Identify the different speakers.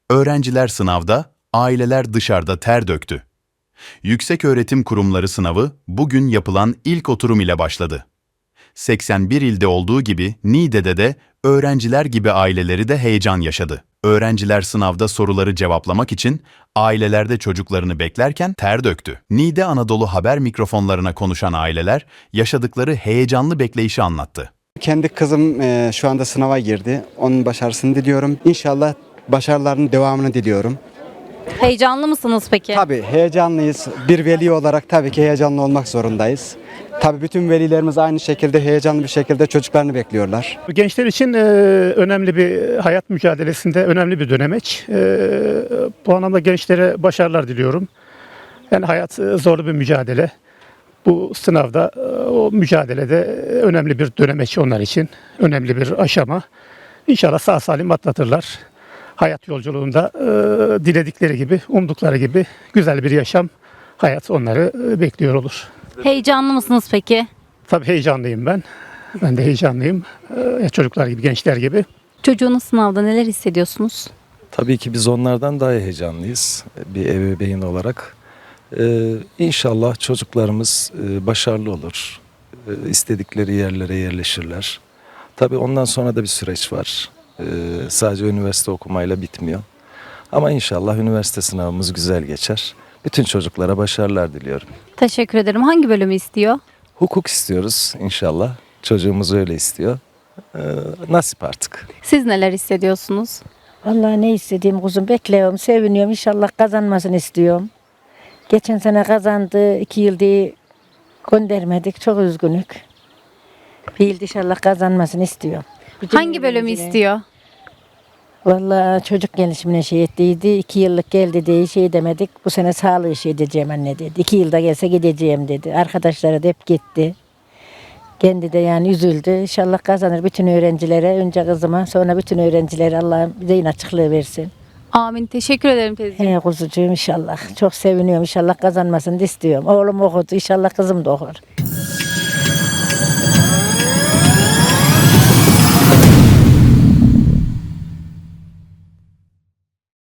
Speaker 1: Öğrenciler sınavda, aileler dışarıda ter döktü. Yükseköğretim Kurumları sınavı bugün yapılan ilk oturum ile başladı. 81 ilde olduğu gibi Niğde'de de öğrenciler gibi aileleri de heyecan yaşadı. Öğrenciler sınavda soruları cevaplamak için ailelerde çocuklarını beklerken ter döktü. Niğde Anadolu Haber mikrofonlarına konuşan aileler yaşadıkları heyecanlı bekleyişi anlattı.
Speaker 2: Kendi kızım şu anda sınava girdi. Onun başarısını diliyorum. İnşallah başarılarının devamını diliyorum.
Speaker 3: Heyecanlı mısınız peki?
Speaker 2: Tabii heyecanlıyız. Bir veli olarak tabii ki heyecanlı olmak zorundayız. Tabii bütün velilerimiz aynı şekilde heyecanlı bir şekilde çocuklarını bekliyorlar.
Speaker 4: Gençler için önemli bir hayat mücadelesinde önemli bir dönemeç. Bu anlamda gençlere başarılar diliyorum. Yani hayat zorlu bir mücadele. Bu sınavda o mücadelede önemli bir dönemeç onlar için. Önemli bir aşama. İnşallah sağ salim atlatırlar. Hayat yolculuğunda diledikleri gibi, umdukları gibi güzel bir yaşam, hayat onları bekliyor olur.
Speaker 3: Heyecanlı mısınız peki?
Speaker 4: Tabii heyecanlıyım ben. Ben de heyecanlıyım. Çocuklar gibi, gençler gibi.
Speaker 3: Çocuğunuz sınavda neler hissediyorsunuz?
Speaker 5: Tabii ki biz onlardan daha heyecanlıyız bir ebeveyn olarak. İnşallah çocuklarımız başarılı olur. İstedikleri yerlere yerleşirler. Tabii ondan sonra da bir süreç var. Sadece üniversite okumayla bitmiyor. Ama inşallah üniversite sınavımız güzel geçer. Bütün çocuklara başarılar diliyorum.
Speaker 3: Teşekkür ederim. Hangi bölümü istiyor?
Speaker 5: Hukuk istiyoruz inşallah. Çocuğumuz öyle istiyor. Nasip artık.
Speaker 3: Siz neler hissediyorsunuz?
Speaker 6: Vallahi ne istediğim kuzum bekliyorum, seviniyorum. İnşallah kazanmasını istiyorum. Geçen sene kazandı, 2 yıldır göndermedik. Çok üzgünük. Bir yıl inşallah kazanmasını istiyorum.
Speaker 3: Hangi bölümü istiyor?
Speaker 6: Vallahi çocuk gelişimine şey ettiydi. 2 yıllık geldi diye şey demedik. Bu sene sağlığı şey edeceğim anne dedi. 2 yılda gelse gideceğim dedi. Arkadaşları da hep gitti. Kendi de yani üzüldü. İnşallah kazanır bütün öğrencilere. Önce kızıma sonra bütün öğrencilere Allah zihin açıklığı versin.
Speaker 3: Amin. Teşekkür ederim teyzeciğim.
Speaker 6: He kuzucuğum inşallah. Çok seviniyorum. İnşallah kazanmasını da istiyorum. Oğlum okudu. İnşallah kızım da okur.